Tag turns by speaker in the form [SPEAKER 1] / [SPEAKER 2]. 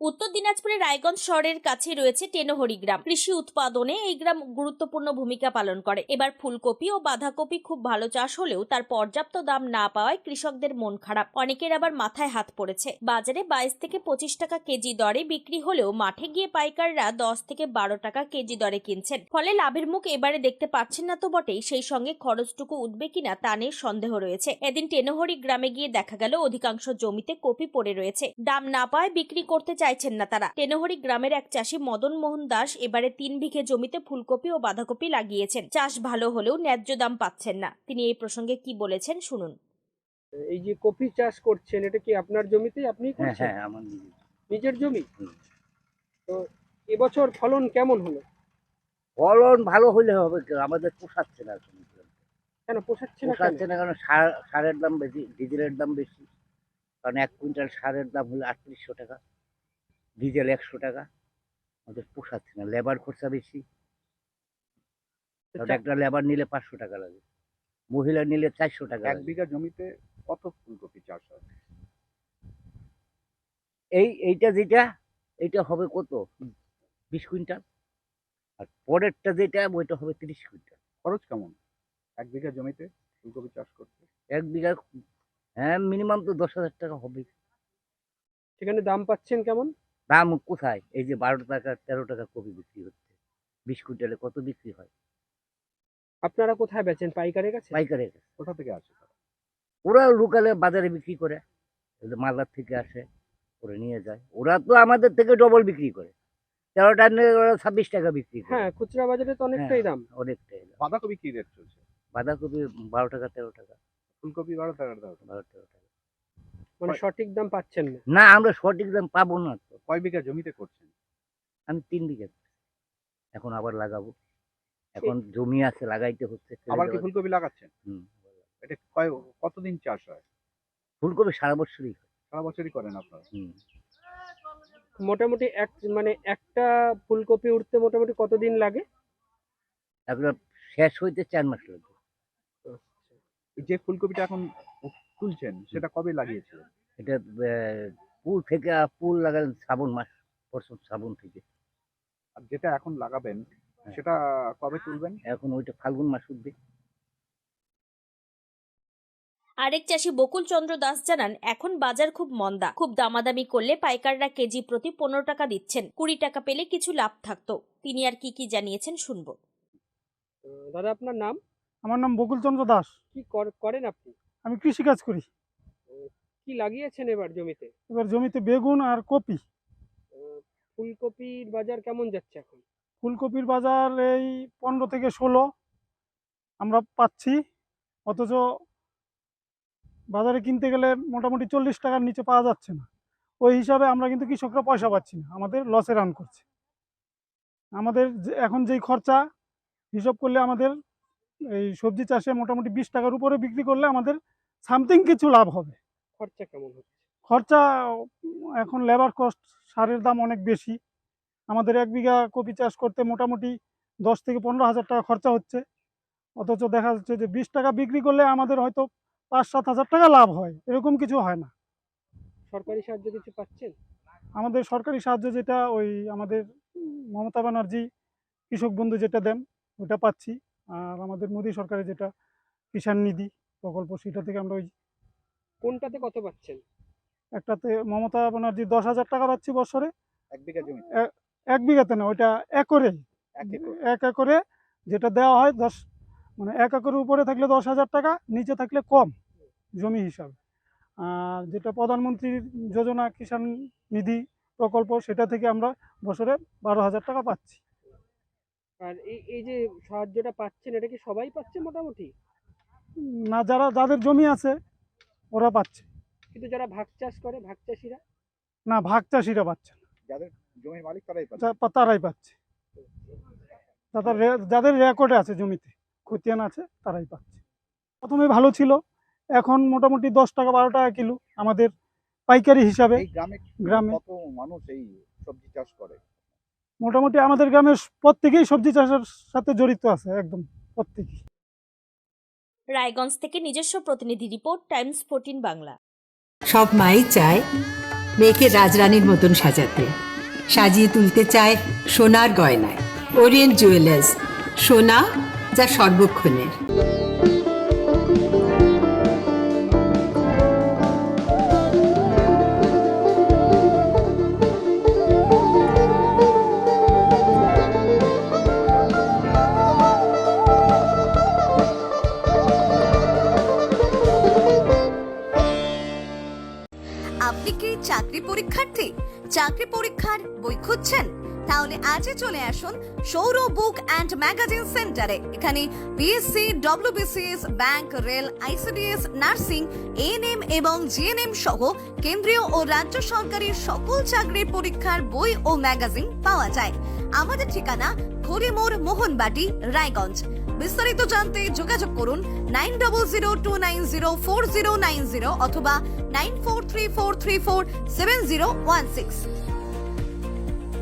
[SPEAKER 1] উত্তর দিনাজপুরের রায়গঞ্জ শহরের কাছে রয়েছে টেনহরি গ্রাম। কৃষি উৎপাদনে এই গ্রাম গুরুত্বপূর্ণ ভূমিকা পালন করে। এবার ফুলকপি ও বাঁধাকপি খুব ভালো চাষ হলেও তার পর্যাপ্ত দাম না পাওয়ায় কৃষকদের মন খারাপ। অনেকের আবার মাথায় হাত পড়েছে। বাজারে 22 থেকে 25 টাকা কেজি দরে বিক্রি হলেও মাঠে গিয়ে পাইকাররা 10 থেকে 12 টাকা কেজি দরে কিনছেন। ফলে লাভের মুখ এবারে দেখতে পাচ্ছেন না তো বটেই, সেই সঙ্গে খরচটুকু উঠবে কিনা তা নিয়ে সন্দেহ রয়েছে। এদিন টেনহরি গ্রামে গিয়ে দেখা গেল অধিকাংশ জমিতে কপি পড়ে রয়েছে। দাম না পাওয়ায় বিক্রি করতে চাইছেন না তারা। টেনহরি গ্রামের এক চাষি মদন মোহন দাস এবারে 3 বিঘে জমিতে ফুলকপি ও বাঁধাকপি লাগিয়েছেন। চাষ ভালো হলেও ন্যায্য দাম পাচ্ছেন না। তিনি এই প্রসঙ্গে কি বলেছেন শুনুন।
[SPEAKER 2] এই যে কপি চাষ করছেন, এটা কি আপনার জমিতেই আপনি করছেন?
[SPEAKER 3] হ্যাঁ, আমার
[SPEAKER 2] নিজের জমি? তো এবছর ফলন কেমন হলো?
[SPEAKER 3] ফলন ভালো হলে হবে, আমাদের পোষাচ্ছে না এখন।
[SPEAKER 2] কেন পোষাচ্ছে না?
[SPEAKER 3] পোষাচ্ছে না কারণ সারের দাম বেশি, ডিজেলের দাম বেশি। কারণ 1 কুইন্টাল সারের দাম হলো 3800 টাকা, ডিজেল 100 টাকা। আমাদের পোষাচ্ছে না, লেবার খরচা বেশি। কারণ একটা লেবার নিলে 500 টাকা লাগে, মহিলা নিলে 400 টাকা।
[SPEAKER 4] 1 বিঘা জমিতে কত ফুলকপি চাষ হয়?
[SPEAKER 3] এইটা হবে কত, 20 কুইন্টাল। আর পরেরটা যেটা ওইটা হবে 30 কুইন্টাল।
[SPEAKER 4] খরচ কেমন 1 বিঘা জমিতে ফুলকপি চাষ করতে?
[SPEAKER 3] 1 বিঘা হ্যাঁ মিনিমাম তো 10,000 টাকা হবে।
[SPEAKER 2] সেখানে দাম পাচ্ছেন কেমন?
[SPEAKER 3] দাম কোথায়? এই যে 12 টাকা 13 টাকা কপি বিক্রি হচ্ছে, 20 কুইন্টালে কত বিক্রি হয়?
[SPEAKER 2] আপনারা কোথায় বেচেন? পাইকারের কাছে?
[SPEAKER 3] পাইকারের কাছে।
[SPEAKER 4] কোথা থেকে আসে তারা?
[SPEAKER 3] ওরা লোকালে বাজারে বিক্রি করে, মালদার থেকে আসে, ওরা নিয়ে যায়। ওরা তো আমাদের থেকে ডবল বিক্রি করে, 13 টাকা ওরা 26 টাকা বিক্রি করে।
[SPEAKER 2] হ্যাঁ, খুচরা বাজারে তো অনেকটাই দাম।
[SPEAKER 3] অনেকটাই দাম।
[SPEAKER 4] বাঁধাকপি কি রেট চলছে?
[SPEAKER 3] বাঁধাকপি 12 টাকা 13 টাকা।
[SPEAKER 4] ফুলকপি 12 টাকা
[SPEAKER 3] 12 13 টাকা।
[SPEAKER 2] মানে সঠিক দাম পাচ্ছেন না?
[SPEAKER 3] না, আমরা সঠিক দাম পাবো না তো।
[SPEAKER 4] কয় বিঘা জমিতে করছেন?
[SPEAKER 3] আমি 3 বিঘা এখন আবার লাগাবো। এখন জমি আছে, লাগাইতে হচ্ছে।
[SPEAKER 4] আবার কি ফুলকপি লাগাচ্ছেন?
[SPEAKER 3] হুম।
[SPEAKER 4] এটা কতদিন চাষ হয়?
[SPEAKER 3] ফুলকপি সারা বছরই হয়।
[SPEAKER 4] সারা বছরই করেন আপনারা?
[SPEAKER 3] হুম।
[SPEAKER 2] মোটামুটি একটা ফুলকপি উঠতে মোটামুটি কতদিন লাগে?
[SPEAKER 3] এগুলো শেষ হইতে 4 মাস লাগবে।
[SPEAKER 4] এই যে ফুলকপিটা এখন তুলছেন সেটা কবে লাগিয়েছিলেন?
[SPEAKER 3] এটা ফুল লাগালেন শ্রাবণ মাস, প্রথম শ্রাবণ থেকে।
[SPEAKER 4] আর যেটা এখন লাগাবেন সেটা কবে তুলবেন?
[SPEAKER 3] এখন ওইটা ফাল্গুন মাস উঠবে।
[SPEAKER 1] আরেক চাষি বকুল চন্দ্র দাস জানান, এখন বাজার খুব মন্দা। খুব দামাদামি করলে পাইকাররা কেজি প্রতি 15 টাকা দিচ্ছেন। 20 টাকা পেলে কিছু লাভ থাকতো। তিনি আর কি কি জানিয়েছেন শুনবো।
[SPEAKER 2] দাদা আপনার নাম?
[SPEAKER 5] আমার নাম বকুল চন্দ্র দাস।
[SPEAKER 2] কি করেন আপনি?
[SPEAKER 5] আমি কৃষিকাজ করি।
[SPEAKER 2] কি লাগিয়েছেন এবার জমিতে?
[SPEAKER 5] এবার জমিতে বেগুন আর কপি।
[SPEAKER 2] ফুলকপির বাজার কেমন যাচ্ছে এখন?
[SPEAKER 5] ফুলকপির বাজার এই 15 থেকে 16 আমরা পাচ্ছি, অথচ বাজারে কিনতে গেলে মোটামুটি 40 টাকার নিচে পাওয়া যাচ্ছে না। ওই হিসাবে আমরা কিন্তু কৃষকরা পয়সা পাচ্ছি না, আমাদের লসে রান করছে। আমাদের এখন যেই খরচা হিসাব করলে আমাদের এই সবজি চাষে মোটামুটি 20 টাকার উপরে বিক্রি করলে আমাদের সামথিং কিছু লাভ হবে।
[SPEAKER 2] খরচা কেমন হচ্ছে?
[SPEAKER 5] খরচা এখন লেবার কস্ট, সারের দাম অনেক বেশি। আমাদের 1 বিঘা কপি চাষ করতে মোটামুটি 10 থেকে 15,000 টাকা খরচা হচ্ছে, অথচ দেখা যাচ্ছে যে 20 টাকা বিক্রি করলে আমাদের হয়তো 5-7 হাজার টাকা লাভ হয়, এরকম কিছু হয় না।
[SPEAKER 2] সরকারি সাহায্য কিছু পাচ্ছেন?
[SPEAKER 5] আমাদের সরকারি সাহায্য যেটা ওই আমাদের মমতা ব্যানার্জি কৃষক বন্ধু যেটা দেন ওটা পাচ্ছি। আর আমাদের মোদী সরকারের যেটা কিষাণ নিধি প্রকল্প, সেটা থেকে আমরা ওই
[SPEAKER 2] কোনটাতে কত পাচ্ছেন?
[SPEAKER 5] একটাতে মমতা ব্যানার্জি 10,000 টাকা পাচ্ছি বছরে।
[SPEAKER 4] 1 বিঘা জমিতে?
[SPEAKER 5] 1 বিঘাতে না, ওইটা একরে।
[SPEAKER 4] 1 একর?
[SPEAKER 5] 1 একরে যেটা দেওয়া হয় 10, মানে 1 একরের উপরে থাকলে 10,000 টাকা, নিচে থাকলে কম জমি হিসাবে। আর যেটা প্রধানমন্ত্রীর যোজনা কিষাণ নিধি প্রকল্প, সেটা থেকে আমরা বছরে 12,000 টাকা পাচ্ছি।
[SPEAKER 2] আর এই যে সাহায্যটা পাচ্ছেন, এটা কি সবাই পাচ্ছে মোটামুটি?
[SPEAKER 5] না, যাদের জমি আছে ওরা পাচ্ছে।
[SPEAKER 2] কিন্তু যারা ভাগ চাষ করে, ভাগ চাষিরা?
[SPEAKER 5] না, ভাগ চাষিরা পাচ্ছে না,
[SPEAKER 4] যাদের জমির মালিক তারাই পাচ্ছে?
[SPEAKER 5] তারাই পাচ্ছে। যাদের রেকর্ডে আছে জমিতে খতিয়ান আছে তারাই পাচ্ছে। প্রথমে ভালো ছিল, এখন মোটামুটি 10 টাকা 12 টাকা কিলো আমাদের পাইকারি হিসাবে।
[SPEAKER 4] এই গ্রামে কত মানুষ এই সবজি চাষ করে?
[SPEAKER 5] মোটামুটি আমাদের গ্রামের প্রত্যেকেই সবজি চাষের সাথে জড়িত আছে, একদম প্রত্যেকেই।
[SPEAKER 1] রায়গঞ্জ থেকে নিজস্ব প্রতিনিধি রিপোর্ট, টাইমস 14 বাংলা।
[SPEAKER 6] সব মাই চায় মেয়েকে রাজরানীর মতন সাজাতে, সাজিয়ে তুলতে চায় সোনার গয়নায়। ওরিয়েন্ট জুয়েলার্স, সোনা যা সর্বক্ষণের।
[SPEAKER 7] আপনি কি চাকরি পরীক্ষার্থী? চাকরি পরীক্ষার বই খুঁজছেন? তাহলে আজই চলে আসুন সৌর বুক অ্যান্ড ম্যাগাজিন সেন্টারে। এখানে BSc, WBCS, bank, rail, ICDS, nursing, ANM এবং জিএনএম সহ কেন্দ্রীয় ও রাজ্য সরকারের সকল চাকরির পরীক্ষার বই ও ম্যাগাজিন পাওয়া যায়। আমাদের ঠিকানা ঘড়িমোড়, মোহনবাটি, রায়গঞ্জ। বিস্তারিত জানতে যোগাযোগ করুন 9002904090 অথবা 9434347016।